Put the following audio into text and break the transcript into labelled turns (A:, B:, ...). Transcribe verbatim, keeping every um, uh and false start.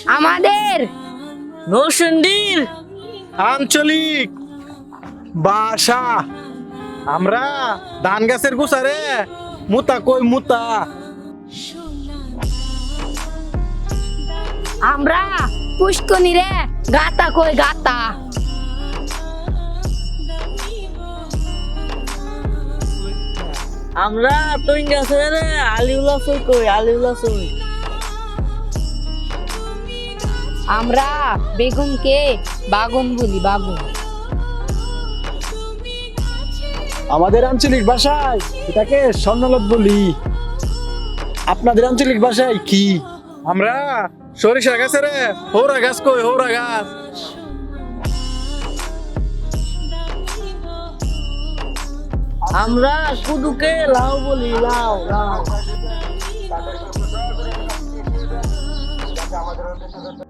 A: আমাদের
B: নৌসন্ডির
C: আঞ্চলিক ভাষা। আমরা ধান গাছের গুছারে মুতা কই মুতা।
A: আমরা পুষ্কনি রে গাতা কই গাতা।
B: আমরা তুই গেছে রে আলিউলা সই কই আলিউলা সই।
A: আমরা বেগুনকে বাগুন বলি বাগুন।
C: আমাদের আঞ্চলিক ভাষায় এটাকে স্বর্ণলত বলি। আপনাদের আঞ্চলিক ভাষায় কি? আমরা সরিষা গাছে রে হৌরা গাছ কই হৌরা গাছ।
B: আমরা কুদুকে লাউ বলি লাউ লাউ।